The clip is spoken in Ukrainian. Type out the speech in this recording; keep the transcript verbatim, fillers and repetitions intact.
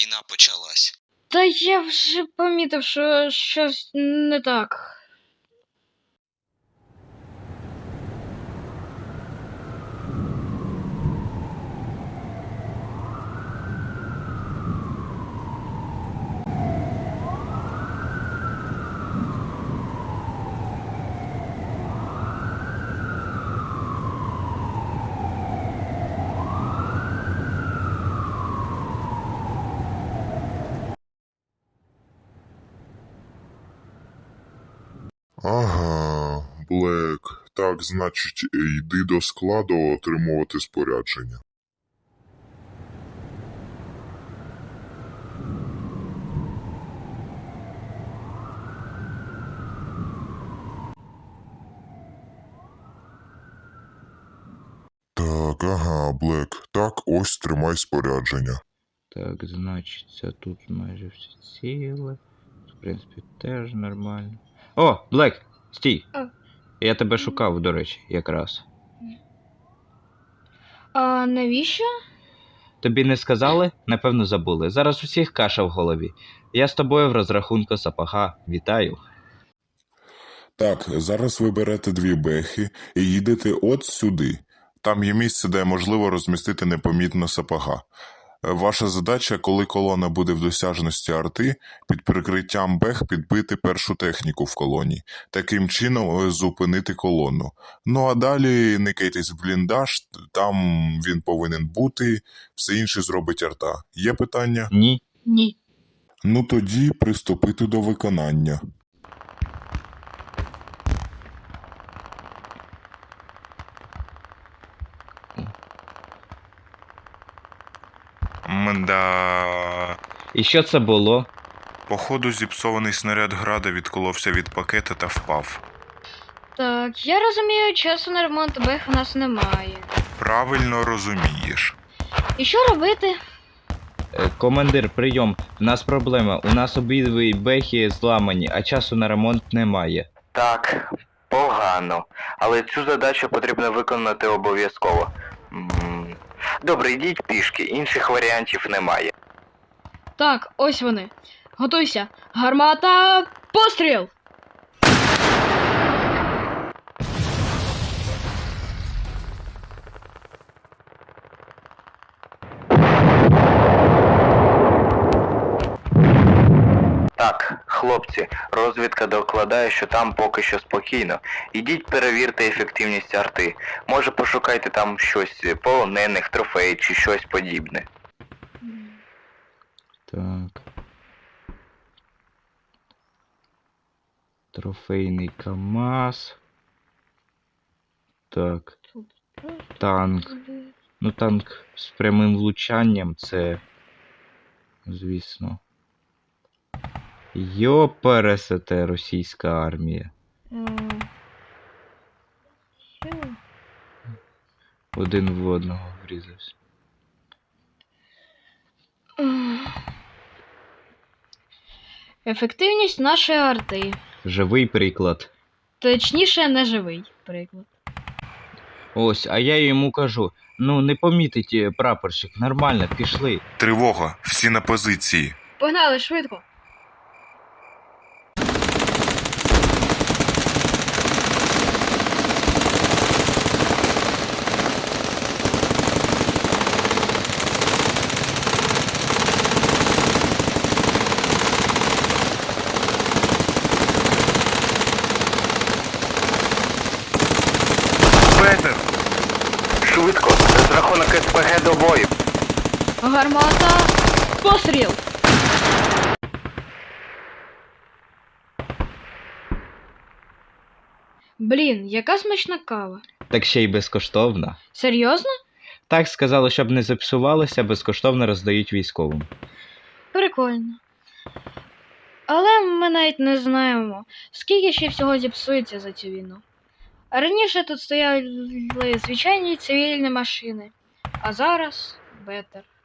війна почалась. Та я вже помітив, що щось не так. Ага, Блек. Так, значить, йди до складу отримувати спорядження. Так, ага, Блек. Так, ось тримай спорядження. Так, значить, це тут майже всі ціле. В принципі, теж нормально. О, Блек, стій! А. Я тебе шукав, до речі, якраз. А навіщо? Тобі не сказали? Напевно, забули. Зараз усіх каша в голові. Я з тобою в розрахунку сапога. Вітаю. Так, зараз ви берете дві бехи і їдете от сюди. Там є місце, де можливо розмістити непомітно сапога. Ваша задача, коли колона буде в досяжності арти, під прикриттям бех підбити першу техніку в колоні. Таким чином зупинити колону. Ну а далі никайтесь в бліндаж, там він повинен бути, все інше зробить арта. Є питання? Ні. Ні. Ну тоді приступити до виконання. Мда. І що це було? Походу, зіпсований снаряд града відколовся від пакета та впав. Так, я розумію, часу на ремонт бех у нас немає. Правильно розумієш. І що робити? Е, Командир, прийом. У нас проблема. У нас обидві бехи зламані, а часу на ремонт немає. Так, погано. Але цю задачу потрібно виконати обов'язково. М, Добре, йдіть пішки, інших варіантів немає. Так, ось вони. Готуйся. Гармата, постріл! Так, хлопці, розвідка докладає, що там поки що спокійно. Ідіть перевірте ефективність арти. Може пошукайте там щось полонених, трофеїв чи щось подібне. Так. Трофейний КАМАЗ. Так. Танк. Ну, танк з прямим влучанням, це, звісно. Йопересете, російська армія. М, що? Один в одного врізався. М. Ефективність нашої арти. Живий приклад. Точніше, неживий приклад. Ось, а я йому кажу, ну не помітить е, прапорщик, нормально, пішли. Тривога, всі на позиції. Погнали, швидко. Петер! Швидко, розрахунок СПГ до бою. Гармата, постріл! Блін, яка смачна кава. Так ще й безкоштовна. Серйозно? Так сказали, щоб не зіпсувалося, безкоштовно роздають військовим. Прикольно. Але ми навіть не знаємо, скільки ще всього зіпсується за цю війну. А раніше тут стояли звичайні цивільні машини, а зараз бетер.